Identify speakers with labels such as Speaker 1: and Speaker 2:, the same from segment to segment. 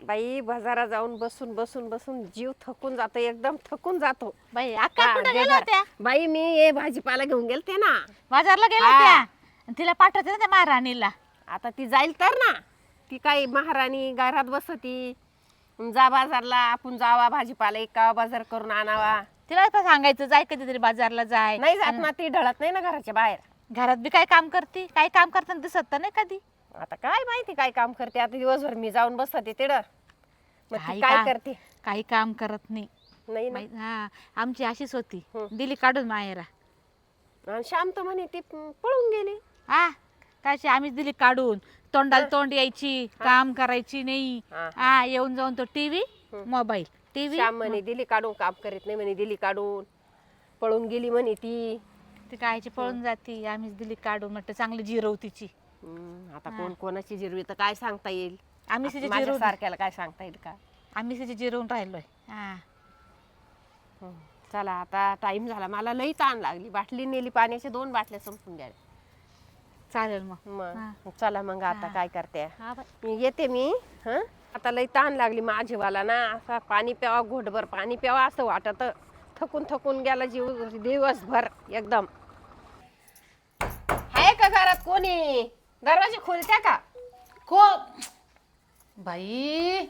Speaker 1: बाई बाजारात जाऊन बसून बसून बसून जीव थकून जातो, एकदम थकून जातो.
Speaker 2: बाई अक्का
Speaker 1: हा,
Speaker 2: कुठे
Speaker 1: दे
Speaker 2: गेल्या
Speaker 1: घर.
Speaker 2: होत्या?
Speaker 1: बाई मी हे भाजीपाला घेऊन गेलते ना.
Speaker 2: बाजारला गेल्या
Speaker 1: हा.
Speaker 2: होत्या आणि तिला पाठवते ना त्या महाराणीला.
Speaker 1: आता ती जाईल तर ना. ती काही महाराणी घरात बसती. जा बाजारला, आपण जावा भाजीपाला एका बाजार करून आणावा.
Speaker 2: तिला तर सांगायचं जाय कधीतरी बाजारला जाय.
Speaker 1: नाही जात ना, ती ढळत नाही ना घराच्या बाहेर.
Speaker 2: घरात बी काय काम करते, काय काम करताना दिसत तर नाही कधी.
Speaker 1: आता काय माहिती काय काम करते. आता दिवसभर मी जाऊन बसते तिथं. मग ती
Speaker 2: काही
Speaker 1: काय
Speaker 2: काम-
Speaker 1: करते
Speaker 2: काही काम करत नाही.
Speaker 1: नाही ना.
Speaker 2: हा आमची अशीच होती,
Speaker 1: हं.
Speaker 2: दिली काढून मायरा.
Speaker 1: आणि श्याम तर म्हणे ती पळून गेली.
Speaker 2: हा काशी आम्हीच दिली काढून. तोंडाला तोंड यायची, काम करायची नाही.
Speaker 1: हा,
Speaker 2: हा येऊन जाऊन तो टीव्ही मोबाईल टीव्ही.
Speaker 1: श्याम म्हणे दिली काढून, काम करीत नाही म्हणे, दिली काढून पळून गेली म्हणे ती.
Speaker 2: ती कायची पळून जाती, आम्हीच दिली काढून. म्हटलं चांगली जिरव तिची.
Speaker 1: आता कोण कोणाची जिरवी तर काय सांगता येईल.
Speaker 2: आम्हीच तिची
Speaker 1: माझ्या
Speaker 2: जिरवून
Speaker 1: सारख्याला काय सांगता येईल का.
Speaker 2: आम्हीच तिची जिरवून राहिलोय. हा
Speaker 1: चला आता टाइम झाला, मला लई ताण लागली. बाटली नेली पाण्याची, 2 बाटल्या संपून गेल्या.
Speaker 2: चालेल मग.
Speaker 1: मग चला मग आता काय करते,
Speaker 2: हा बाई.
Speaker 1: मी येते मी. आता लई ताण लागली माझीवाला ना. असा पाणी प्यावा, घोटभर पाणी प्यावा असं वाटत. थकून थकून गेला जीव दिवसभर एकदम. आहे का घरात कोणी? दरवाजे खोलत्या का?
Speaker 3: को बाई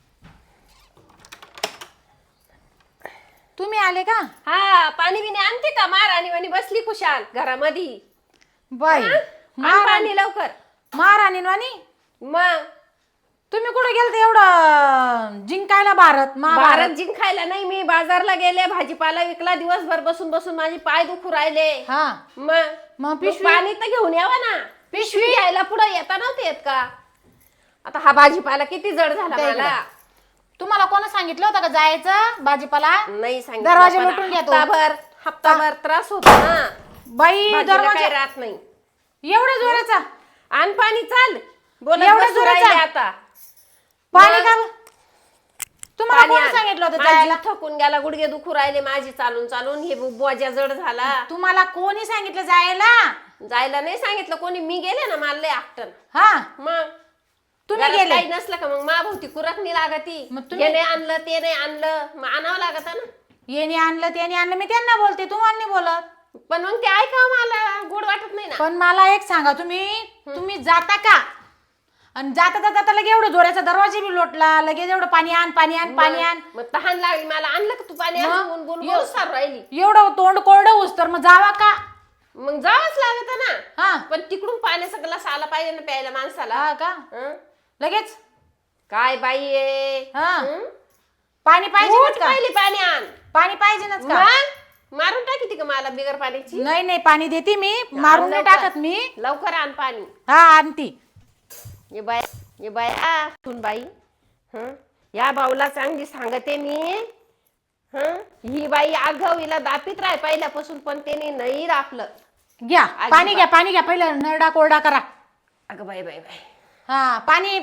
Speaker 3: तुम्ही आले का?
Speaker 1: हा, पाणी बिणी आणते का? महाराणी वाणी बसली खुशाल घरामध्ये.
Speaker 3: बाई
Speaker 1: आण पाणी लवकर.
Speaker 3: महाराणी वाणी
Speaker 1: मग
Speaker 3: तुम्ही कुठे गेलते एवढं जिंकायला? भारत
Speaker 1: भारत जिंकायला नाही, मी बाजारला गेले, भाजीपाला विकला. दिवसभर बसून बसून माझे पाय दुखू राहिले.
Speaker 3: हा
Speaker 1: मग
Speaker 3: पिशवी?
Speaker 1: पाणी तर घेऊन यावा ना. पिशवी घ्यायला पुढे येता नव्हते येत का? आता हा भाजीपाला किती जड झाला
Speaker 3: द्या
Speaker 1: मला.
Speaker 3: तुम्हाला कोण सांगितलं होतं का जायचं भाजीपाला?
Speaker 1: नाही सांगितलं,
Speaker 3: दरवाजे
Speaker 1: पण
Speaker 3: लोटून घ्या तो.
Speaker 1: हप्ताभर त्रास होतो ना.
Speaker 3: बाई
Speaker 1: भाजीला
Speaker 3: दरवाजा
Speaker 1: काही राहत नाही.
Speaker 3: एवढ्या जोराचा
Speaker 1: आण पाणी, चाल. बोलत
Speaker 3: एवढं
Speaker 1: बसू
Speaker 3: जोराचं?
Speaker 1: राहिले आता.
Speaker 3: पाणी का? तुम्हाला
Speaker 1: पाणी
Speaker 3: कोण
Speaker 1: आण.
Speaker 3: सांगितलं होतं
Speaker 1: माझी
Speaker 3: जायला?
Speaker 1: थकून गेला, गुडघे दुखू राहिले माझी चालून चालून. हे बोजा जड झाला.
Speaker 3: तुम्हाला कोणी सांगितलं जायला?
Speaker 1: जायला नाही सांगितलं कोणी, मी गेले ना, मला लय आकटन.
Speaker 3: हा
Speaker 1: मग
Speaker 3: तुम्ही
Speaker 1: घरात
Speaker 3: गेले?
Speaker 1: काही नसलं का मग माभोवती कुरकणी लागती.
Speaker 3: मग तुम्ही-
Speaker 1: हे नाही आणलं, ते नाही आणलं, मग आणावं लागत ना.
Speaker 3: येणे आणलं त्याने आणलं, मी त्यांना बोलते, तुम्हाला नाही बोलत.
Speaker 1: पण मग ते ऐका, मला गोड वाटत नाही ना.
Speaker 3: पण मला एक सांगा, तुम्ही जाता का? आणि जाता जाता लगे एवढं जोराचा दरवाजा बी लोटला, लगेच एवढं पाणी आण पाणी आण पाणी आण.
Speaker 1: मग तहान लागली मला, आणलं का तू पाणी?
Speaker 3: मग?
Speaker 1: बोल बोल बोल सारू राहिली.
Speaker 3: एवढं तोंड कोरडं होऊस तर मग जावा का?
Speaker 1: मग जावंच लागत ना.
Speaker 3: हा
Speaker 1: पण तिकडून पाण्याचा ग्लास आला पाहिजे ना प्यायला माणसाला.
Speaker 3: हा का?
Speaker 1: हं?
Speaker 3: लगेच
Speaker 1: काय बाई आहे.
Speaker 3: हा.
Speaker 1: हं?
Speaker 3: पाणी पाहिजेच
Speaker 1: उठ
Speaker 3: का?
Speaker 1: पहिली पाणी आण.
Speaker 3: पाणी पाहिजेच का?
Speaker 1: मग मारून टाकी का मला बिगर पाण्याची?
Speaker 3: नाही नाही पाणी देते मी, मारून नाही
Speaker 1: लवकर.
Speaker 3: टाकत मी.
Speaker 1: लवकर आण पाणी.
Speaker 3: हा आणती.
Speaker 1: ये बाया सुन बाई. या बाऊला चांगली सांगते मी. ही बाई आगाव, हिला दापीत राह पहिल्यापासून, पण त्याने नाही राखलं.
Speaker 3: घ्या पाणी घ्या, पाणी घ्या, पहिलं नरडा कोरडा करा.
Speaker 1: अगं बाई बाई बाई.
Speaker 3: हा पाणी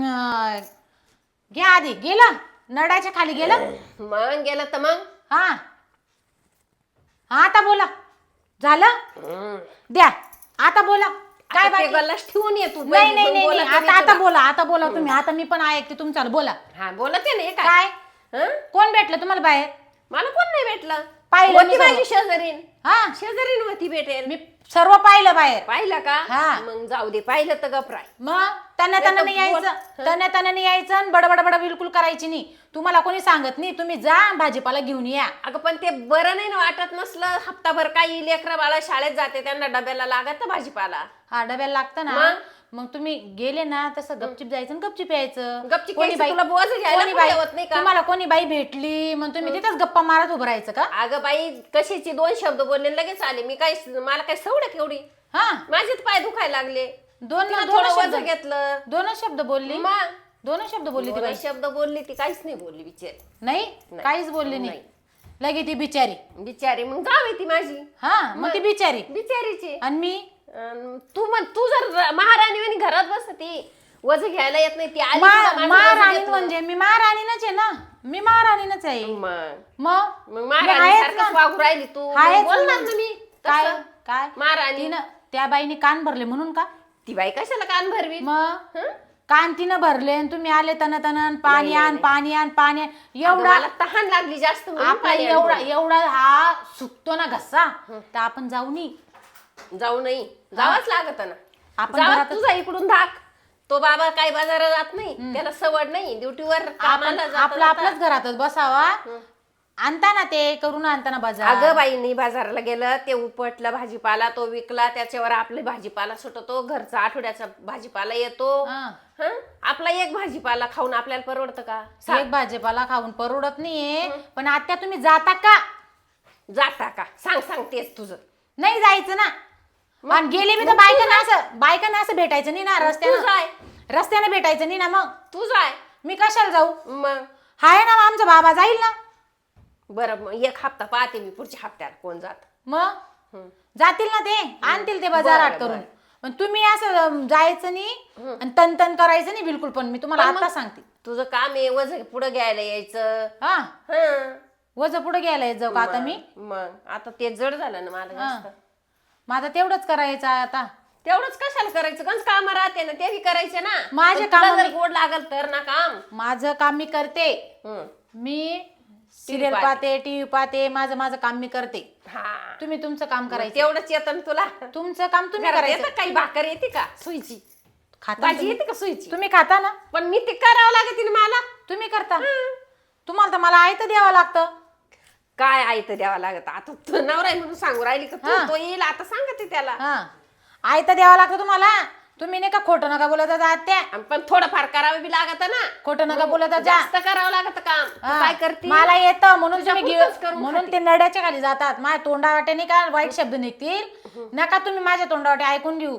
Speaker 3: घ्या आधी. गेलं नरडाच्या खाली गेलं?
Speaker 1: मग गेलं तर मग.
Speaker 3: हा हा आता बोला. झालं? द्या आता बोला. काय
Speaker 1: आता ते
Speaker 3: बाकी?
Speaker 1: गल्लास ठेवून ये तू.
Speaker 3: नाही
Speaker 1: पहिली,
Speaker 3: नाही
Speaker 1: मग
Speaker 3: नाही
Speaker 1: बोलत
Speaker 3: नाही.
Speaker 1: मी
Speaker 3: आता आता
Speaker 1: तुला.
Speaker 3: बोला, आता बोला तुम्ही. आता मी पण ऐकते तुमचं, बोला.
Speaker 1: हा बोलत आहे ना. हे काय
Speaker 3: काय
Speaker 1: हं?
Speaker 3: कोण भेटलं तुम्हाला बाहेर?
Speaker 1: मला कोण नाही भेटलं.
Speaker 3: पाहिलं
Speaker 1: होती
Speaker 3: मी सर्व.
Speaker 1: माझी शेजारीन.
Speaker 3: हा
Speaker 1: शेजारीन होती भेटेल.
Speaker 3: मी सर्व पाहिलं बाहेर.
Speaker 1: पाहिलं का?
Speaker 3: हा.
Speaker 1: मग जाऊ दे, पाहिलं तर गपराय.
Speaker 3: मग त्यांना नाही यायचं, त्यांना नाही यायचं आणि बडबड बिलकुल करायची नाही. तुम्हाला कोणी सांगत नाही, तुम्ही जा भाजीपाला घेऊन या.
Speaker 1: अगं पण ते बरं नाही ना वाटत नसलं. हप्ताभर काही लेकरं बाळा शाळेत जाते, त्यांना डब्याला लागत भाजीपाला.
Speaker 3: हा डब्याला लागतं ना.
Speaker 1: मग?
Speaker 3: मग तुम्ही गेले ना तसं गपचिप जायचं आणि गपचिप यायचं.
Speaker 1: गपचीप
Speaker 3: कोणी
Speaker 1: यायचं,
Speaker 3: बाई
Speaker 1: तुला बोज घ्यायला
Speaker 3: कोणी
Speaker 1: पण
Speaker 3: बाई
Speaker 1: ठेवत नाही का?
Speaker 3: तुम्हाला कोणी बाई भेटली मग तुम्ही तिथेच गप्पा मारत उभं राहायचं का?
Speaker 1: अगं बाई कशीची 2 शब्द बोलले लगेच आले. मी काय, मला काय सवडत एवढी.
Speaker 3: हा
Speaker 1: माझेच पाय दुखायला लागले.
Speaker 3: दोन
Speaker 1: तिला
Speaker 3: दोन
Speaker 1: थोडं
Speaker 3: शब्द
Speaker 1: वजन घेतलं.
Speaker 3: दोनच शब्द बोलली.
Speaker 1: मग
Speaker 3: दोनच शब्द बोलली ती
Speaker 1: 2
Speaker 3: बाई.
Speaker 1: शब्द बोलली ती, काहीच नाही बोलली बिचारी.
Speaker 3: नाही
Speaker 1: नाही.
Speaker 3: काहीच बोलली नाही. लगे ती बिचारी.
Speaker 1: बिचारी मग जावे ती माझी.
Speaker 3: हा मग ती बिचारी.
Speaker 1: बिचारीची.
Speaker 3: आणि मी
Speaker 1: तू जर महाराणी घरात बसती, वज घ्यायला येत नाही ती आली तुला माझं वजन
Speaker 3: महाराणी
Speaker 1: घेतलं.
Speaker 3: म्हणजे मी महाराणीनच आहे ना. मी महाराणीनच आहे.
Speaker 1: मग
Speaker 3: मग
Speaker 1: मग
Speaker 3: मी
Speaker 1: महाराणी
Speaker 3: आहेच
Speaker 1: सारखंच
Speaker 3: ना.
Speaker 1: वागू राहिली तू. मग
Speaker 3: आहेच
Speaker 1: बोलणार
Speaker 3: ना.
Speaker 1: ना मी
Speaker 3: काय
Speaker 1: तसं.
Speaker 3: काय
Speaker 1: महाराणी.
Speaker 3: तिनं त्या बाईने कान भरले म्हणून का?
Speaker 1: ती बाई कशाला कान भरवी?
Speaker 3: मग
Speaker 1: हं?
Speaker 3: कांतीनं भरले आणि तुम्ही आले तन तन पाणी आण पाणी आण पाणी आण.
Speaker 1: अगं,
Speaker 3: एवढा
Speaker 1: मला तहान लागली जास्त म्हणून
Speaker 3: आपला
Speaker 1: पाणी
Speaker 3: एवढा
Speaker 1: आणलं.
Speaker 3: एवढा हा सुकतो ना घसा तर आपण जाऊ नी.
Speaker 1: जाऊ नाही जावंच लागत ना.
Speaker 3: आपण
Speaker 1: जावं
Speaker 3: घरातच-
Speaker 1: तुझा इकडून धाक. तो बाबा काही बाजारात जात नाही, त्याला सवड नाही ड्युटीवर
Speaker 3: आपण
Speaker 1: कामाला जाता
Speaker 3: आपलं
Speaker 1: जाता.
Speaker 3: आपलंच घरातच बसावा. आणता ना ते करून आणता ना बाजार.
Speaker 1: अगं बाईंनी बाजाराला गेलं ते उपटलं भाजीपाला तो विकला त्याच्यावर आपले भाजीपाला सुटतो घरचा आठवड्याचा भाजीपाला येतो.
Speaker 3: हा.
Speaker 1: हं? आपला एक भाजीपाला खाऊन आपल्याला परवडतं का? सांग.
Speaker 3: एक भाजीपाला खाऊन परवडत नाहीये. पण आता तुम्ही जाता का?
Speaker 1: जाता का? सांग सांग तेच तुझं.
Speaker 3: नाही जायचं ना. आणि गेले मी तर बायकांना असं भेटायचं नाही ना
Speaker 1: तू
Speaker 3: रस्त्यानं.
Speaker 1: जाय
Speaker 3: रस्त्याने भेटायचं नाही ना. मग
Speaker 1: तू जाय
Speaker 3: मी कशाला जाऊ?
Speaker 1: मग
Speaker 3: हाय ना आमचा बाबा जाईल ना.
Speaker 1: बरं मग एक हप्ता पाहते मी पुढच्या हप्त्यात कोण जात.
Speaker 3: मग जातील ना ते आणतील ते बाजारात
Speaker 1: बरं,
Speaker 3: करून.
Speaker 1: बरं.
Speaker 3: पण तुम्ही असं जायचं नाही आणि तन करायचं नाही बिलकुल. पण मी तुम्हाला
Speaker 1: पण मग
Speaker 3: आता सांगते.
Speaker 1: तुझं काम आहे वज पुढे घ्यायला यायचं.
Speaker 3: हा
Speaker 1: हं.
Speaker 3: वज पुढे घ्यायला येत जाऊ का आता मी?
Speaker 1: मग आता ते जड झालं ना मला जास्त.
Speaker 3: माझं तेवढंच करायचं आहे आता.
Speaker 1: तेवढंच कशाला करायचं गंज काम राहते ना ते बी करायचे ना.
Speaker 3: माझे
Speaker 1: पण तुला
Speaker 3: कामं
Speaker 1: जर
Speaker 3: मी-
Speaker 1: गोड लागल तर ना काम.
Speaker 3: माझं काम मी करते.
Speaker 1: हं.
Speaker 3: मी सिरियल पाहते टीव्ही पाहते. माझं काम मी करते.
Speaker 1: हा
Speaker 3: तुम्ही तुमचं काम करायचं.
Speaker 1: तेवढंच येतं ना तुला.
Speaker 3: तुमचं काम तुम्ही
Speaker 1: घरात
Speaker 3: करायचं.
Speaker 1: येतं काही भाकर येते का सुईची
Speaker 3: खाता
Speaker 1: भाजी
Speaker 3: तुम्ही?
Speaker 1: येते का सुईची?
Speaker 3: तुम्ही खाता ना.
Speaker 1: पण मी ते करावं लागते ना मला.
Speaker 3: तुम्ही करता. तुम्हाला तर मला आयतं द्यावं लागतं.
Speaker 1: काय आहे तर द्यावं लागत आता तू नवरा आहे म्हणून सांगू राहिली का
Speaker 3: हा.
Speaker 1: तो येईल आता सांगते त्याला.
Speaker 3: हा आयतं द्यावं लागतं तुम्हाला. तुम्ही नाही का खोटं नका बोलत जा त्या.
Speaker 1: आणि पण थोडंफार करावं बी लागत ना.
Speaker 3: खोटं नका बोलत जा.
Speaker 1: जास्त करावं लागत काम. तू
Speaker 3: हा.
Speaker 1: काय करते
Speaker 3: मला येतं म्हणून
Speaker 1: तुझ्या
Speaker 3: तुम्ही
Speaker 1: पुरतंच करून
Speaker 3: म्हणून
Speaker 1: खाते.
Speaker 3: ते नड्याच्या खाली जातात. माझ्या तोंडावाटे नाही का वाईट शब्द निघतील. नका तुम्ही माझ्या तोंडावाटे ऐकून घेऊ.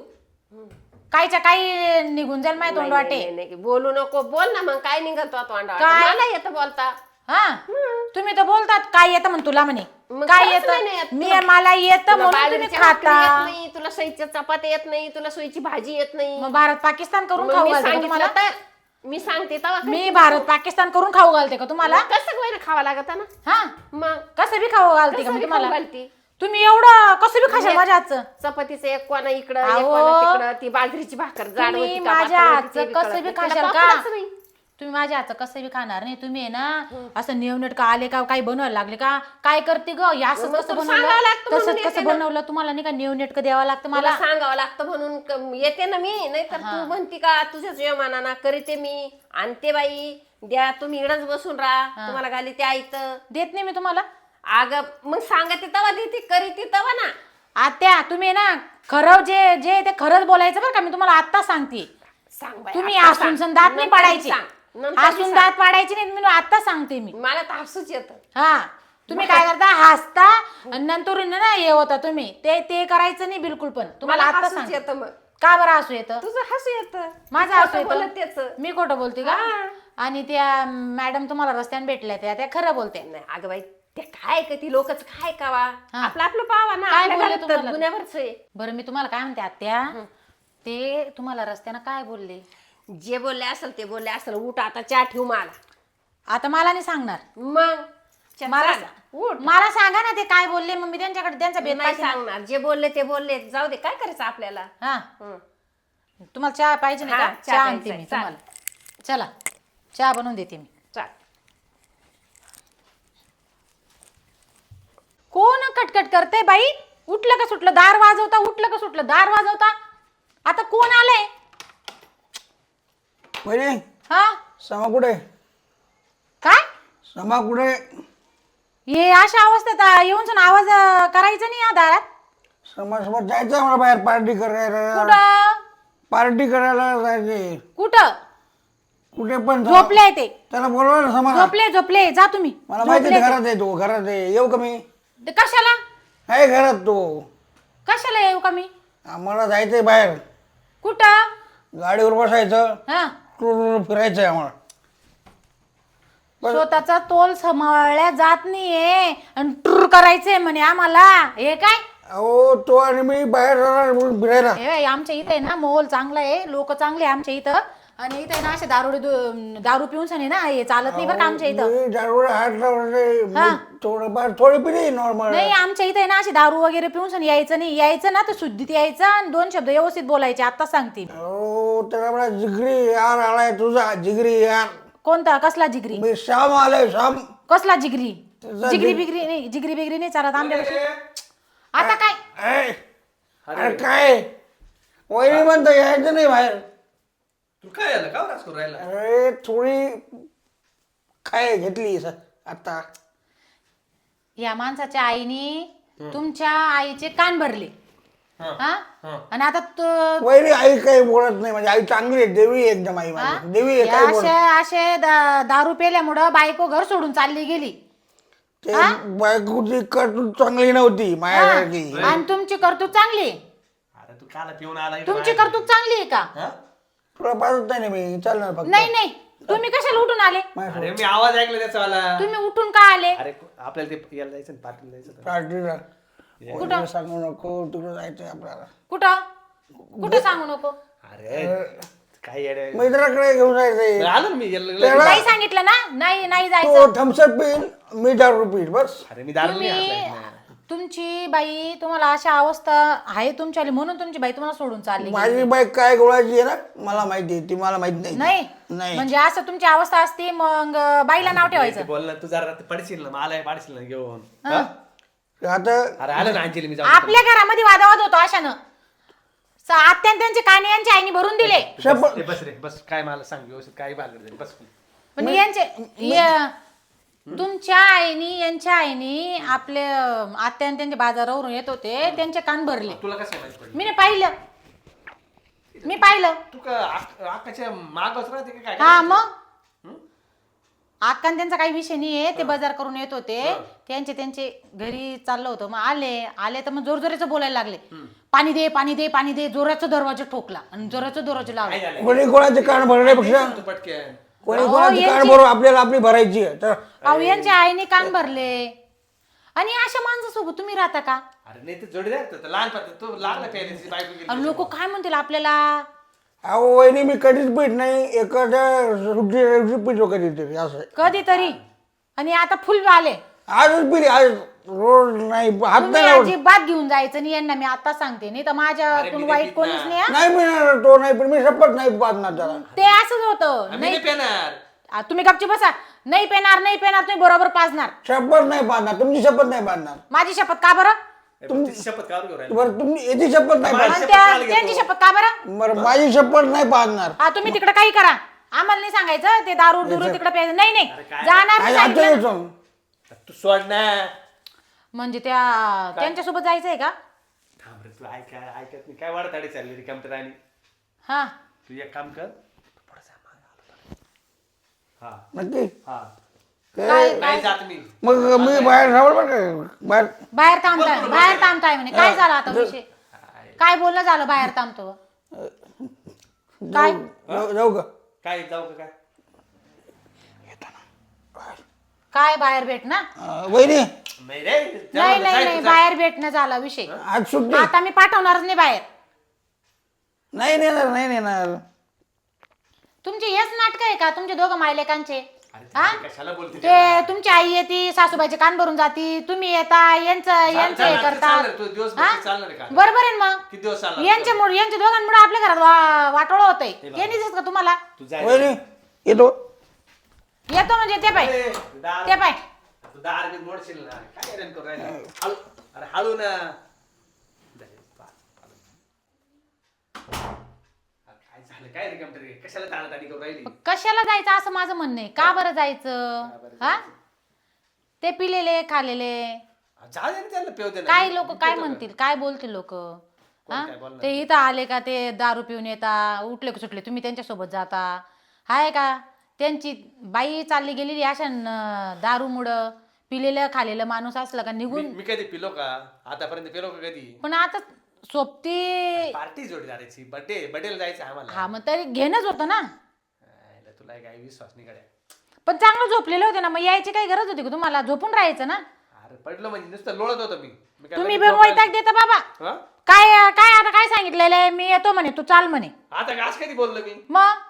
Speaker 3: कायच्या काही निघून जाईल माझ्या तोंडवाटे.
Speaker 1: नाही, नाही, बोलू नको. बोल ना मग काय निघतो तोंडावर.
Speaker 3: काय?
Speaker 1: मला येतं बोलता.
Speaker 3: हा तुम्ही तर बोलतात काय येतं म्हण तुला म्हणे.
Speaker 1: मग
Speaker 3: काय
Speaker 1: खरंच नाही
Speaker 3: येतं
Speaker 1: येत.
Speaker 3: मी मला येतं
Speaker 1: तुला
Speaker 3: म्हणून तुम्ही
Speaker 1: बाजरीची भाकरी
Speaker 3: खाता.
Speaker 1: येत नाही, तुला सोयीच्या चपात्या येत नाही, तुला सोयीची भाजी येत नाही.
Speaker 3: मग भारत पाकिस्तान करून
Speaker 1: मग
Speaker 3: खाऊ
Speaker 1: मी
Speaker 3: घालते का
Speaker 1: सांगितलं
Speaker 3: तुम्हाला?
Speaker 1: तर मी सांगते तेव्हा
Speaker 3: मी भारत पाकिस्तान करून खाऊ घालते का तुम्हाला?
Speaker 1: कसं काय ना खावा लागत ना.
Speaker 3: हा
Speaker 1: मग
Speaker 3: कसं बी खाऊ घालते का
Speaker 1: कसं
Speaker 3: मी
Speaker 1: बी
Speaker 3: तुम्हाला?
Speaker 1: खाऊ घालते.
Speaker 3: तुम्ही एवढं कसं बी खाशाल माझ्या हातचं?
Speaker 1: चपातीचं एक कोणा इकडं एक
Speaker 3: अहो,
Speaker 1: कोणा तिकडं ती बाजरीची भाकर जाड
Speaker 3: तुम्ही
Speaker 1: होती का,
Speaker 3: माझ्या
Speaker 1: पातळ होती ते
Speaker 3: हातचं
Speaker 1: बी
Speaker 3: कसं
Speaker 1: कळत
Speaker 3: बी
Speaker 1: नाही.
Speaker 3: खाशाल
Speaker 1: त्याला
Speaker 3: का?
Speaker 1: पापडच नाही.
Speaker 3: तुम्ही माझ्या हातचं कसं बी खाणार नाही. तुम्ही आहे ना असं नेवनेट का आले का काही बनवायला लागले का काय करते ग? हे असं
Speaker 1: मग
Speaker 3: कसं
Speaker 1: तुला
Speaker 3: बनवलं
Speaker 1: सांगावं लागतं म्हणून
Speaker 3: तसंच
Speaker 1: येते
Speaker 3: कसं
Speaker 1: ना.
Speaker 3: बनवलं तुम्हाला नाही का नेवनेट का द्यावं लागतं
Speaker 1: मला
Speaker 3: मला.
Speaker 1: सांगावं लागतं म्हणून येते ना मी. नाही तर तू म्हणती का तुझ्याच यमानाना करीते मी. आणते बाई द्या तुम्ही इकडंच बसून राहा तुम्हाला घाली ते ऐत.
Speaker 3: देत नाही मी तुम्हाला.
Speaker 1: अगं मग सांगते तवा देते करीते तवा ना.
Speaker 3: आत्या तुम्ही आहे ना खरं जे जे ते खरंच बोलायचं बरं का. मी तुम्हाला आत्ता सांगते.
Speaker 1: सांग बाई,
Speaker 3: तुम्ही
Speaker 1: आता
Speaker 3: हसून
Speaker 1: सांग.
Speaker 3: दात नाही
Speaker 1: नंतर
Speaker 3: पाडायचे.
Speaker 1: सांग. नंतर
Speaker 3: हसून
Speaker 1: सांग.
Speaker 3: दात पाडायचे नाही. मी आता सांगते मी.
Speaker 1: मला तर हसूच येतं.
Speaker 3: हा तुम्ही काय करता हसता आणि नंतर ना हे होता तुम्ही ते करायचं नाही बिलकुल. पण तुम्हाला
Speaker 1: मला
Speaker 3: आता
Speaker 1: हसूच
Speaker 3: सांग
Speaker 1: येतं मग.
Speaker 3: का बरं हसू येतं?
Speaker 1: तुझं हसू येतं.
Speaker 3: माझं हसू
Speaker 1: खोटं बोलत
Speaker 3: येतं.
Speaker 1: त्याचं.
Speaker 3: मी खोटं बोलते का?
Speaker 1: हा.
Speaker 3: आणि त्या मॅडम तुम्हाला रस्त्याने भेटल्या त्या खरं बोलते.
Speaker 1: नाही अगं बाई ते काय का ती लोकच काय कावा
Speaker 3: हा.
Speaker 1: आपलं आपलं पावा ना.
Speaker 3: काय
Speaker 1: आपल्या
Speaker 3: बोलले
Speaker 1: घरात
Speaker 3: तुम्हाला?
Speaker 1: दुनियाभरच आहे.
Speaker 3: बरं मी तुम्हाला काय म्हणते आत्या ते तुम्हाला रस्त्यानं काय बोलले?
Speaker 1: जे बोलले असेल ते बोलले असेल. उठ आता चहा ठेवू मला.
Speaker 3: आता मला नाही सांगणार.
Speaker 1: मग चहा
Speaker 3: मला
Speaker 1: चाल. उठ.
Speaker 3: मला सांगा ना ते काय बोलले. मग मी त्यांच्याकडे त्यांचा भेद
Speaker 1: नाही
Speaker 3: पाहिजे ना.
Speaker 1: सांगणार. जे बोलले ते बोलले. जाऊ दे काय करायचं आपल्याला.
Speaker 3: हा
Speaker 1: हं.
Speaker 3: तुम्हाला चहा पाहिजे नाही
Speaker 1: हा,
Speaker 3: का?
Speaker 1: चहा
Speaker 3: चहा आणते
Speaker 1: प्यायचा
Speaker 3: मी
Speaker 1: आहे.
Speaker 3: तुम्हाला. चला चहा बनवून देते मी.
Speaker 1: चाल.
Speaker 3: कोण कटकट करते बाई? उठलं का सुटलं दार वाजवता. उठलं का सुटलं दार वाजवता. आता कोण आलंय?
Speaker 4: पहिले
Speaker 3: हा
Speaker 4: समा कुठे?
Speaker 3: काय
Speaker 4: समा कुठे?
Speaker 3: हे अशा अवस्थेत येऊन आवाज करायचा नाही या दारात.
Speaker 4: समासोबत जायचं आहे मला बाहेर पार्टी करायला.
Speaker 3: कुठं
Speaker 4: पार्टी करायला जायचे.
Speaker 3: कुठं
Speaker 4: कुठे पण
Speaker 3: झोपले ते.
Speaker 4: त्याला बोलवा ना समा.
Speaker 3: झोपले जा तुम्ही.
Speaker 4: मला माहिती
Speaker 3: झोपले
Speaker 4: आहे
Speaker 3: ते.
Speaker 4: घरात आहे तो. घरात आहे. येऊ का मी?
Speaker 3: ते कशाला
Speaker 4: आहे घरात तो.
Speaker 3: कशाला येऊ का मी?
Speaker 4: आम्हाला जायचंय बाहेर.
Speaker 3: कुठं?
Speaker 4: गाडीवर बसायचं.
Speaker 3: हा
Speaker 4: फिरायचंय आम्हाला.
Speaker 3: स्वतःचा तोल सांभाळल्या जात नाहीये आणि टूर करायचंय म्हणे आम्हाला. हे काय
Speaker 4: अहो तो आणि मी बाहेर जाणार म्हणून फिरायला.
Speaker 3: हे आमच्या इथे ना मोल चांगला आहे. लोक चांगले आहे आमच्या इथं. आणि इथे ना असे दारू पिऊन सनी ना हे चालत नाही बरं का आमच्या इथं.
Speaker 4: मी दारूला हात लावले
Speaker 3: हा.
Speaker 4: थोडंफार थोडी पिली नॉर्मल.
Speaker 3: नाही आमच्या इथे ना अशी दारू वगैरे पिऊन सनी यायचं नाही. यायचं ना तर शुद्धीत यायचं आणि 2 शब्द व्यवस्थित बोलायचे. आता सांगते.
Speaker 4: हो त्याला मला जिगरी यार आलाय तुझा जिगरी यार.
Speaker 3: कोणता कसला जिगरी?
Speaker 4: मी श्याम आलाय श्याम.
Speaker 3: कसला जिगरी?
Speaker 4: तुझा
Speaker 3: जिगरी बिगरी नाही, जिगरी बिगरी नाही चालत आमच्याकडे. आता काय
Speaker 4: ए, अरे काय वहिनी म्हणतो यायचं नाही बाहेर.
Speaker 5: तू काय आलं का राज करून राहिला?
Speaker 4: अरे थोडी काय घेतली आता.
Speaker 3: या माणसाच्या आईने तुमच्या आईचे कान भरले. हा आणि आता
Speaker 4: वहिनी आई काही बोलत नाही म्हणजे आई चांगली आहे देवी आहे एकदम आई माझी देवी आहे काय बोलत
Speaker 3: असे दारू पेल्यामुळं बायको घर सोडून चालली गेली.
Speaker 4: ते बायकोची कर्तृत्व चांगली नव्हती माझ्यासारखी.
Speaker 3: आणि तुमची कर्तूत चांगली?
Speaker 5: अरे तू काला पिऊन आला इकडं
Speaker 3: तुमची
Speaker 5: बाहेर?
Speaker 3: कर्तूत चांगली आहे का?
Speaker 5: हा?
Speaker 4: तुला पाहत नाही ना मी चालणार फक्त.
Speaker 3: नाही नाही तुम्ही कशाला उठून आले?
Speaker 5: अरे मी आवाज ऐकला त्याचा वाला.
Speaker 3: तुम्ही उठून का आले?
Speaker 5: अरे आपल्याला ते यायला जायचं ना, पार्टीला जायचं होतं.
Speaker 4: पार्टीला
Speaker 3: कुठं?
Speaker 4: सांगू नको तिकडे जायचंय आपल्याला.
Speaker 3: कुठं कुठं सांगू नको?
Speaker 5: अरे काय येडे.
Speaker 4: मित्राकडे घेऊन जायचंय.
Speaker 5: आलो ना मी याला-
Speaker 4: त्याला-
Speaker 3: नाही सांगितलं ना? नाही नाही
Speaker 4: तो
Speaker 3: जायचं.
Speaker 4: थम्सअप पिईल मी दारू पिईल बस.
Speaker 5: अरे मी दारू नाही
Speaker 3: तुम्ही
Speaker 5: हात
Speaker 3: तुमची बाई तुम्हाला अशा अवस्था आहे तुमच्या म्हणून तुमची बाई तुम्हाला सोडून चालली गेली.
Speaker 4: माझी बाईक काय गोळाची आहे ना मला माहिती आहे ती मला माहित नाही.
Speaker 3: नाही
Speaker 4: नाही
Speaker 3: म्हणजे असं तुमची अवस्था असती मग बाईला नाव ठेवायचं.
Speaker 5: बोल ना तू जरा पडशील ना मला पडशील ना घेऊन. हा?
Speaker 4: आता
Speaker 5: अरे आलं ना अंजली मी जाऊ
Speaker 3: आपल्या घरामध्ये वादावाद होतो अशानं. आत्यान त्यांचे काने यांच्या आईने भरून दिले.
Speaker 5: बस रे, बस रे बस. काय मला सांग व्यवस्थित काय भागड झाली बस.
Speaker 3: पण तुमच्या आईनी यांच्या आईनी आपले आत्यान त्यांचे बाजारावरून येत होते त्यांचे कान भरले.
Speaker 5: तुला कसं माहिती पडलं?
Speaker 3: मी पाहिलं.
Speaker 5: तू का आकाच्या मागच राहते का काय?
Speaker 3: हा मग आक्कान त्यांचा काही विषय नाहीये. ते बाजार करून येत होते त्यांचे घरी चाललं होतं. मग आले तर मग जोरजोराचं बोलायला लागले. पाणी दे पाणी दे पाणी दे. जोराचा दरवाजा ठोकला आणि जोराचा दरवाजा
Speaker 5: काय
Speaker 3: लावला.
Speaker 5: झालं?
Speaker 4: कोणी कोणाचे कान भरण्यापेक्षा
Speaker 5: तू पटकन.
Speaker 4: कोणी कोणाचे कान भरून आपल्याला आपली भरायची आहे तर
Speaker 3: अहो यांच्या आईने कान भरले. आणि अशा माणसासोबत तुम्ही राहता का?
Speaker 5: अरे नाही ते जोडीदार तर लहानपण तो लागला प्यायला बायको गेली.
Speaker 3: लोक काय म्हणतील आपल्याला?
Speaker 4: अहो वहिनी मी कधीच पीठ नाही एखाद्या सुट्टी पितो कधीतरी असं आहे.
Speaker 3: कधीतरी. आणि आता फुल आले.
Speaker 4: आजच पिली आज रोज नाही हात
Speaker 3: तुम्ही
Speaker 4: नाही लावत.
Speaker 3: अजिबात घेऊन जायचं नाही यांना. मी आता सांगते नाही तर माझ्यातून वाईट कोणीच नाही हा.
Speaker 4: नाही पिणार तो नाही पण मी शपथ नाही पाहणार त्याला.
Speaker 3: ते असंच होतं.
Speaker 5: आम्ही नाही पेणार.
Speaker 3: तुम्ही गपची बसा. नाही पेणार तुम्ही बरोबर पाजणार.
Speaker 4: शपथ नाही पाहणार तुमची शपथ नाही पाहणार.
Speaker 3: माझी शपथ का बरं?
Speaker 5: तुमची शपथ काढून घेऊन राहिला.
Speaker 4: बरं तुम्ही याची शपथ नाही
Speaker 5: माझी
Speaker 4: पाहणार.
Speaker 5: शपथ काढली
Speaker 3: त्यांची
Speaker 5: घेतो.
Speaker 3: शपथ का बरं?
Speaker 4: बरं माझी शपथ नाही पाहणार.
Speaker 3: हा तुम्ही तिकडे काही करा. आम्हाला नाही सांगायचं ते दारू तिकडे प्यायचं. नाही
Speaker 5: काय?
Speaker 3: जाणार
Speaker 4: आज
Speaker 3: नाही
Speaker 4: आता
Speaker 3: सांगितलं.
Speaker 4: येतो.
Speaker 5: तू सोड ना.
Speaker 3: म्हणजे त्यांच्यासोबत जायचंय का?
Speaker 5: थांब रे तू ऐकत नाही काय वाढताडी चालली रे कमतरानी.
Speaker 3: हा
Speaker 5: तू एक काम कर तू थोडासा मागे आलो. हा
Speaker 4: नक्की
Speaker 5: हा
Speaker 3: काय
Speaker 5: नाही जात मी.
Speaker 4: मग मी बाहेर राहणार बरं का बाहेर.
Speaker 3: बाहेर थांबताय म्हणे. काय झालं आता विषय? काय बोलणं झालं बाहेर थांबतो? काय
Speaker 4: जाऊ का
Speaker 5: काय जाऊ का काय?
Speaker 3: काय बाहेर भेटणं?
Speaker 4: वहिनी
Speaker 5: नाही रे
Speaker 3: नाही बाहेर भेटणं झाला विषय.
Speaker 4: आज सुट्टी
Speaker 3: आता मी पाठवणारच नाही बाहेर.
Speaker 4: नाही नेणार नाही नेणार.
Speaker 3: तुमचे हेच नाटक आहे का तुमचे दोघं मायलेकांचे? हा?
Speaker 5: कशाला बोलते
Speaker 3: ते तुमची आई येते सासूबाईचे कान भरून जाती. तुम्ही येता यांचं हे करता.
Speaker 5: तू दिवस
Speaker 3: हा?
Speaker 5: चालणार आहे का?
Speaker 3: बरोबर आहे ना मग.
Speaker 5: किती दिवस चालणार?
Speaker 3: यांच्या दोघांमुळे आपल्या घरात वाटोळ होतंय. हे नाही दिसत का तुम्हाला?
Speaker 5: तू जाय.
Speaker 4: वहिनी येतो.
Speaker 3: येतो म्हणजे ते पाय
Speaker 5: ए, दार-
Speaker 3: ते पाय.
Speaker 5: तू दार बी मोडशील ना. काय हैराण करू राहिला? हळू. अरे हळू ना. जाय, काय झालं काय रे कमतरी? कशाला ताणाताणी करू राहिली?
Speaker 3: कशाला जायचं असं माझं म्हणणं आहे. का बरं जायचं? हा ते पिलेले खालेले
Speaker 5: जा दे ना त्याला पेव दे ना.
Speaker 3: काय लोक काय म्हणतील काय बोलतील लोक? हा
Speaker 5: काय बोलणार?
Speaker 3: ते इथं आले का ते दारू पिऊन येता उठले का सुटले तुम्ही त्यांच्यासोबत जाता. हाय का त्यांची बाई चालली गेलेली अशा दारूमुळं. पिलेलं खालेलं माणूस असलं का निघून.
Speaker 5: मी कधी पिलो का? आतापर्यंत पिलो का कधी?
Speaker 3: पण आता सोबती
Speaker 5: पार्टी जोडीदाराची बर्थडेला जायचं आम्हाला.
Speaker 3: हा मग तरी घेणंच होतं ना.
Speaker 5: आयला तुला काय विश्वास नाही गड्या.
Speaker 3: पण चांगलं झोपलेलं होते ना मग यायची काही गरज होती का तुम्हाला? झोपून राहायचं ना.
Speaker 5: अरे पडलं म्हणजे नुसतं लोळत होतं मी. काय
Speaker 3: तुम्ही
Speaker 5: लगेच
Speaker 3: पण वैताग देता बाबा.
Speaker 5: हा?
Speaker 3: काय काय आता काय सांगितलेलं आहे? मी येतो म्हणे तू चाल म्हणे.
Speaker 5: आता आज कधी बोललो मी?
Speaker 3: मग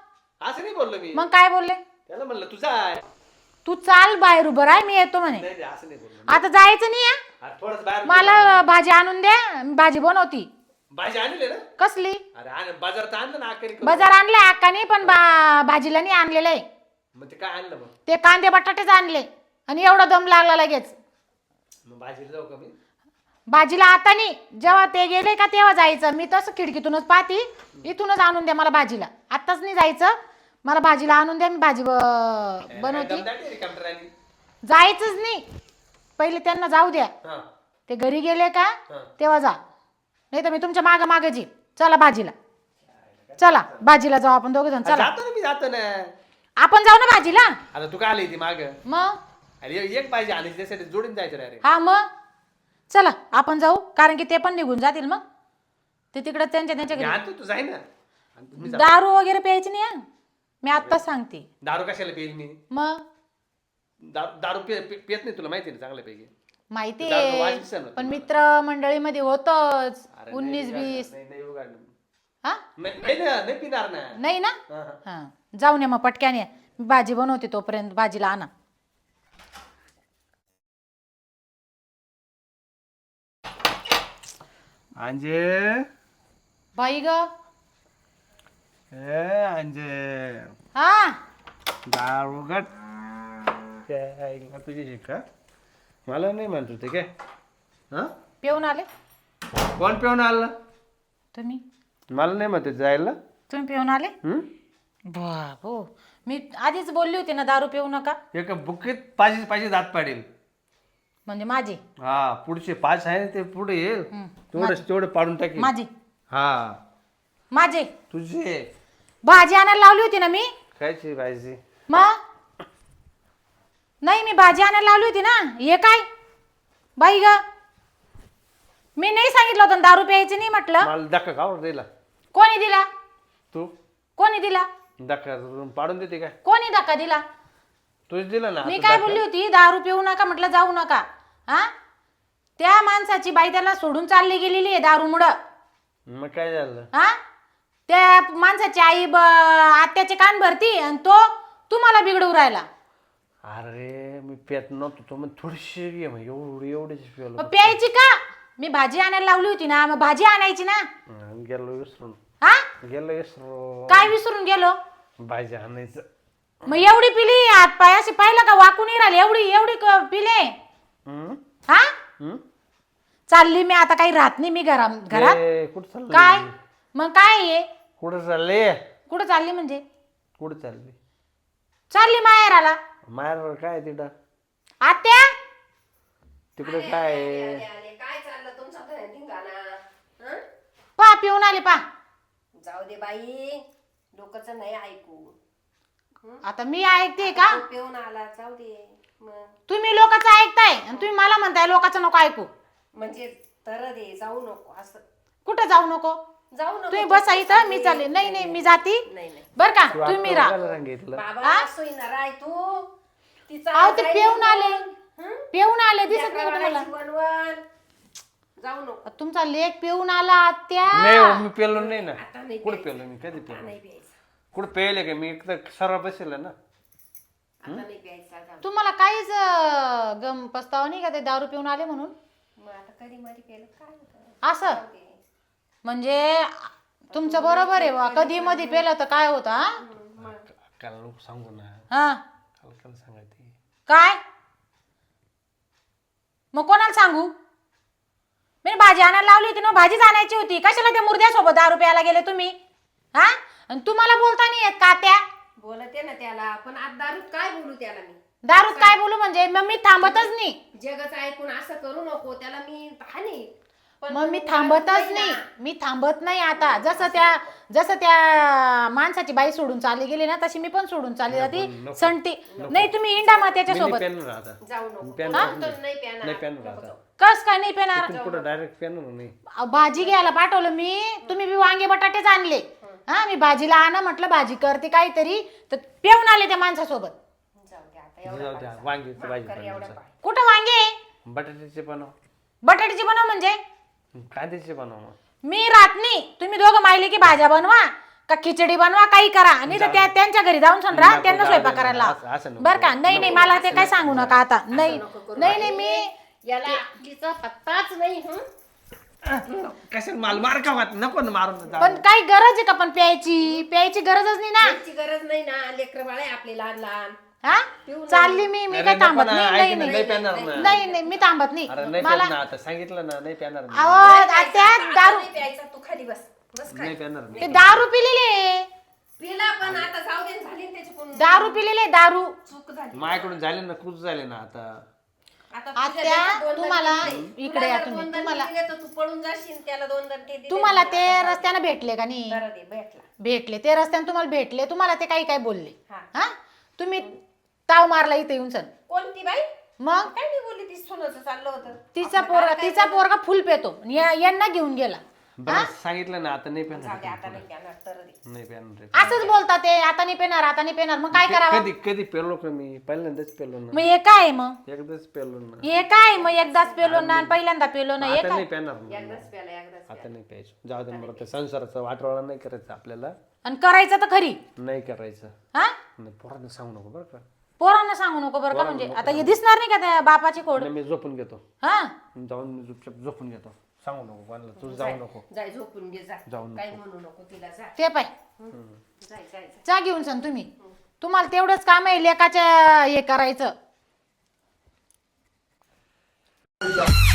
Speaker 5: असं नाही बोललो मी
Speaker 3: मग काय बोलले?
Speaker 5: त्याला म्हणलं तुझा आहे.
Speaker 3: तू चाल बाहेर उभं राह, मी येतो म्हणे.
Speaker 5: नाही असं नाही बोललो
Speaker 3: आता जायचं नाही आहे.
Speaker 5: अरे थोडंच बाहेर
Speaker 3: मला भाजी आणून द्या, मी भाजी बनवती.
Speaker 5: भाजी आणले ना
Speaker 3: कसली?
Speaker 5: अरे बाजारात आणलं ना आखरी
Speaker 3: बाजार आणलाय अक्काने, पण भाजीला नाही आणलेलं आहे.
Speaker 5: मग ते काय आणलं मग
Speaker 3: ते कांदे बटाटेच आणले आणि एवढा दम लागला लगेच.
Speaker 5: मग भाजीला जाऊ का मी
Speaker 3: भाजीला आता नाही, जेव्हा ते गेले का तेव्हा जायचं. मी तसं खिडकीतूनच पाहती, इथूनच आणून द्या मला भाजीला. आत्ताच नाही जायचं, मला भाजीला आणून द्या, मी भाजी बनवते.
Speaker 5: कॅम्प्युटर
Speaker 3: जायचंच नाही, पहिले त्यांना जाऊ द्या.
Speaker 5: हा
Speaker 3: ते घरी गेले का तेव्हा जा, नाही तर मी तुमच्या मागं मागं जी. चला भाजीला, चला भाजीला जाऊ आपण दोघे जण. चला
Speaker 5: जातो ना मी जातो ना
Speaker 3: आपण जाऊ ना भाजीला.
Speaker 5: आता तू काय आली ती माग
Speaker 3: मग
Speaker 5: अरे एक पाहिजे आली त्यासाठी जोडून जायचं रे.
Speaker 3: हा मग चला आपण जाऊ, कारण की ते पण निघून जातील. मग ते तिकडे त्यांच्या
Speaker 5: मी
Speaker 3: घरी.
Speaker 5: आणतो तू जाय ना आणि तुम्ही जा.
Speaker 3: दारू वगैरे प्यायची नाही हं. मी आत्ताच सांगते.
Speaker 5: दारू कशाला पेल मी
Speaker 3: मग
Speaker 5: दारू पियत नाही तुला माहिती ना चांगल्यापैकी
Speaker 3: माहिती
Speaker 5: दारू वास
Speaker 3: आहे,
Speaker 5: दिसेना
Speaker 3: पण
Speaker 5: तुला.
Speaker 3: मित्र मंडळीमध्ये होतच
Speaker 5: अरे
Speaker 3: 19-20.
Speaker 5: नाही उघडलं.
Speaker 3: हा
Speaker 5: नाही ना नाही पिणार ना
Speaker 3: नाही ना.
Speaker 5: हा, हा.
Speaker 3: हा जाऊन या मग पटक्याने, मी भाजी बनवते तोपर्यंत भाजीला आणा.
Speaker 5: अंजे
Speaker 3: बाई ग.
Speaker 5: ए अंजे
Speaker 3: हा
Speaker 5: दारू उघड काय तुझी शिका मला नाही म्हणतो ते काय हा
Speaker 3: पिऊन आले
Speaker 5: कोण पिऊन आलं
Speaker 3: तुम्ही?
Speaker 5: मला नाही म्हणते जायला
Speaker 3: तुम्ही पिऊन आले? बाबो, मी आधीच बोलली होती ना दारू पिऊ नका.
Speaker 5: एका बुकीत पाचशे पाचशे दात पाडेल.
Speaker 3: म्हणजे माझी
Speaker 5: हा पुढचे 5 आहे ना ते पुढे येईल तेवढे पाडून टाकेल.
Speaker 3: माझी
Speaker 5: हा
Speaker 3: माझे
Speaker 5: तुझे
Speaker 3: भाजी आणायला लावली होती ना मी.
Speaker 5: खायची पाहिजे
Speaker 3: मग नाही, मी भाजी आणायला लावली होती ना. हे काय बाई ग, मी नाही सांगितलं होतं ना दारू प्यायची नाही म्हटलं.
Speaker 5: मला धक्का खावर दिला
Speaker 3: कोणी दिला?
Speaker 5: तू
Speaker 3: कोणी दिला?
Speaker 5: धक्का पाडून देते काय
Speaker 3: कोणी धक्का दिला?
Speaker 5: तूच दिला ना
Speaker 3: मी
Speaker 5: आता
Speaker 3: काय
Speaker 5: धक्का.
Speaker 3: बोलली होती? दारू पिऊ नका म्हटलं, जाऊ नका. हा त्या माणसाची बाई त्याला सोडून चालली गेलेली आहे दारूमुळं.
Speaker 5: मग काय झालं
Speaker 3: हा त्या माणसाची आई आत्याचे कान भरती आणि तो तुम्हाला बिघडवू राहिला.
Speaker 5: अरे मी पेत नव्हतो तो मग थोडीशी घे मग एवढीच पिवलं
Speaker 3: मग प्यायची का? मी भाजी आणायला लावली होती ना, मग भाजी आणायची ना.
Speaker 5: गेलो विसरून
Speaker 3: हा काय विसरून गेलो?
Speaker 5: भाजी आणायचं
Speaker 3: मग एवढी पिली, हात पाय असे पाहिलं का वाकून नाही राहिली, एवढी एवढी पिले. हा चालली मी आता, काही राहत नाही मी घरात.
Speaker 5: कुठं चालली
Speaker 3: काय मग काय आहे?
Speaker 5: कुठं चालली
Speaker 3: कुठं चालली म्हणजे?
Speaker 5: कुठं चालली
Speaker 3: चालली माहेराला.
Speaker 5: माहेर काय तिथं
Speaker 3: आत्या
Speaker 5: तिकडे काय आहे?
Speaker 1: काय चाललं तुमचा धिंगाणा?
Speaker 3: पा पिऊन आले पा.
Speaker 1: जाऊ दे बाई, डोकंच नाही ऐकू.
Speaker 3: आता मी ऐकते का?
Speaker 1: तो पिऊन आला, जाऊ दे मग.
Speaker 3: तुम्ही लोकांचं ऐकताय आणि तुम्ही मला म्हणताय लोकांचं नको ऐकू.
Speaker 1: म्हणजे तर दे, जाऊ नको असं.
Speaker 3: कुठं जाऊ नको?
Speaker 1: जाऊ नको.
Speaker 3: तुम्ही बसा इथं, मी चालले. नाही नाही मी जाती
Speaker 1: नाही नाही
Speaker 3: बर का.
Speaker 5: तू
Speaker 3: तुम्ही
Speaker 5: आता
Speaker 3: राहा.
Speaker 5: कोणाला सांगितलं
Speaker 1: बाबा सोयीना राय तू. तिचा
Speaker 3: अहो ते
Speaker 1: जाईल
Speaker 3: पिऊन आले,
Speaker 1: हं?
Speaker 3: पिऊन आले, दिसत नाही का
Speaker 1: लेकराला
Speaker 3: तुम्हाला?
Speaker 1: बनवण. जाऊ नको.
Speaker 3: तुमचा लेक पिऊन आला आत्या.
Speaker 5: नाही हो, मी पेलो नाही ना.
Speaker 1: आता नाही
Speaker 5: कुठं पेलो मी कधी पेलो
Speaker 1: नाही प्यायचं.
Speaker 5: कुठं पेले का मी एकदा सर्व बसेल ना.
Speaker 1: आता नाही प्यायचा, जाऊ.
Speaker 3: तुम्हाला काहीच गम पस्तावा नाही का ते दारू पिऊन आले म्हणून?
Speaker 1: मग आता कधी मरी केलं काय होतं?
Speaker 3: असं म्हणजे तुमचं बरोबर आहे बा. कधी मध्ये पेलं तर काय होतं? हा
Speaker 5: काल लोक सांगू ना
Speaker 3: हा
Speaker 5: काल सांगायचे
Speaker 3: काय मग कोणाला सांगू? मी भाजी आणायला लावली होती ना, भाजीच आणायची होती. कशाला त्या मुर्द्यासोबत दारू प्यायला गेले तुम्ही? हा आणि तुम्हाला बोलता नाही येत का त्या?
Speaker 1: बोलते ना त्याला, पण आज दारूत काय बोलू त्याला मी?
Speaker 3: दारूत काय बोलू म्हणजे? मग मी थांबतच नाही.
Speaker 1: जगच ऐकून असं करू नको त्याला मी हानी. पण
Speaker 3: मग मी
Speaker 1: तू
Speaker 3: थांबतच
Speaker 1: दारू
Speaker 3: नाही.
Speaker 1: ना.
Speaker 3: मी थांबत नाही आता. जसं त्या माणसाची बाई सोडून चालली गेली ना, तशी मी पण सोडून चालली जाती संटी. नाही तुम्ही इंडा मग त्याच्यासोबत.
Speaker 1: जाऊ नको.
Speaker 5: पेन
Speaker 1: तो नाही प्याणार.
Speaker 5: नाही पेन राहता
Speaker 3: कस काय नाही पेणार?
Speaker 5: कुठं डायरेक्ट पेन नाही
Speaker 3: भाजी घ्यायला पाठवलं मी, तुम्ही बी वांगे बटाटेच आणले. हा मी भाजीला आणा म्हटलं, भाजी करते काहीतरी, तर पिऊन आले त्या माणसासोबत.
Speaker 1: जाऊ दे आता
Speaker 5: जाऊ द्या वांग्याची भाजी
Speaker 1: एवढं
Speaker 5: बनवायचं.
Speaker 1: पाय.
Speaker 3: कुठं वांगे?
Speaker 5: बटाट्याचे बनव
Speaker 3: बटाट्याची बनव म्हणजे?
Speaker 5: कांद्याचे बनव मग.
Speaker 3: मी राहत नाही. तुम्ही दोघं मायले की भाज्या बनवा का खिचडी बनवा काही करा आणि तर त्या त्यांच्या घरी जाऊन सण राहा त्यांना स्वयंपाक करायला
Speaker 5: असं नको.
Speaker 3: बरं का नाही नाही मला ते काय सांगू नका आता नाही नाही नाही मी
Speaker 1: याला अक्कीचा पत्ताच नाही
Speaker 5: कशाला माल मार का वाट नको ना मारून
Speaker 3: पण काही गरज आहे का पण प्यायची गरजच नाही ना
Speaker 1: याची गरज नाही ना लेकर बाळ आहे आपले लहान लहान
Speaker 3: हा चालली मी
Speaker 5: अरे
Speaker 3: काय
Speaker 5: नको
Speaker 3: थांबत
Speaker 5: ना,
Speaker 3: नाही
Speaker 5: ऐक
Speaker 3: नाही
Speaker 5: ना, नाही पेणार ना.
Speaker 3: नाही नाही मी थांबत नाही
Speaker 5: अरे नाही
Speaker 3: मला
Speaker 5: पेणार ना आता सांगितलं ना नाही पेणार मी.
Speaker 3: अहो त्या दारू
Speaker 1: नाही प्यायचा तू खाली बस बस काय
Speaker 5: नाही पेणार मी.
Speaker 3: ते दारू पिलेले
Speaker 1: पिला पण आता जाऊ दे झाली ना त्याची पण
Speaker 3: दारू पिलेले दारू
Speaker 1: चूक झाली
Speaker 5: माझ्याकडून झाले ना खूप झाले ना आता
Speaker 1: आता
Speaker 3: आत्या,
Speaker 1: तुझ्या देशात 2
Speaker 3: तुम्हाला
Speaker 1: दणके
Speaker 3: इकडे या
Speaker 1: तुला जर
Speaker 3: तुम्ही,
Speaker 1: 2 दणके
Speaker 3: तुम्हाला-
Speaker 1: दिले तर तू पळून जाशील त्याला 2 दणके दिले
Speaker 3: तुम्हाला
Speaker 1: ना,
Speaker 3: ते
Speaker 1: आता
Speaker 3: रस्त्याने भेटले का नाही
Speaker 1: बरं दे भेटला
Speaker 3: भेटले ते रस्त्याने तुम्हाला भेटले तुम्हाला ते काही काय बोलले
Speaker 1: हा.
Speaker 3: हा तुम्ही ताव मारला इथे येऊन सण
Speaker 1: कोणती बाई
Speaker 3: मग
Speaker 1: काय नाही बोलली ती सोनाचं चाललं होतं
Speaker 3: तिचा पोरगा फुल पेतो यांना घेऊन गेला
Speaker 5: बरं सांगितलं ना आता नाही
Speaker 1: जाऊ दे
Speaker 5: पेणार
Speaker 1: आता नाही करणार तर दे
Speaker 5: नाही पेणार रे.
Speaker 3: असंच बोलता ते आता नाही पेणार आता नाही पेणार मग काय करावं
Speaker 5: कधी कधी पेलो का मी पहिल्यांदाच पेलो ना
Speaker 3: मग हे काय मग
Speaker 5: एकदाच पेलो ना
Speaker 3: हे काय मग एकदाच पेलो ना आणि पहिल्यांदा पेलो ना हे
Speaker 5: आता
Speaker 3: काय
Speaker 5: नाही पेणार ना.
Speaker 1: एकदाच प्याला एकदाच
Speaker 5: आता नाही प्यायचं जाऊ दे बरं ते संसाराचा वाटवाळा नाही करायचा आपल्याला
Speaker 3: आणि करायचं तर खरी
Speaker 5: नाही करायचं
Speaker 3: हा
Speaker 5: नाही पोरांना सांगू नको बरं का
Speaker 3: पोरांना सांगू नको बरं का म्हणजे आता हे दिसणार नाही का त्या बापाची खोड
Speaker 5: नाही मी झोपून घेतो
Speaker 3: हा
Speaker 5: जाऊन मी चुपचाप झोपून घेतो सांगू नको कोणाला तू जाऊ नको
Speaker 1: जाय झोपून घे जा
Speaker 5: जाऊ नको.
Speaker 1: काही म्हणू नको तिला जा
Speaker 3: ते पाय
Speaker 1: जाय जाय जाय
Speaker 3: चा घेऊन सण तुम्ही तुम्हाला तेवढंच काम आहे लेकाच्या हे करायचं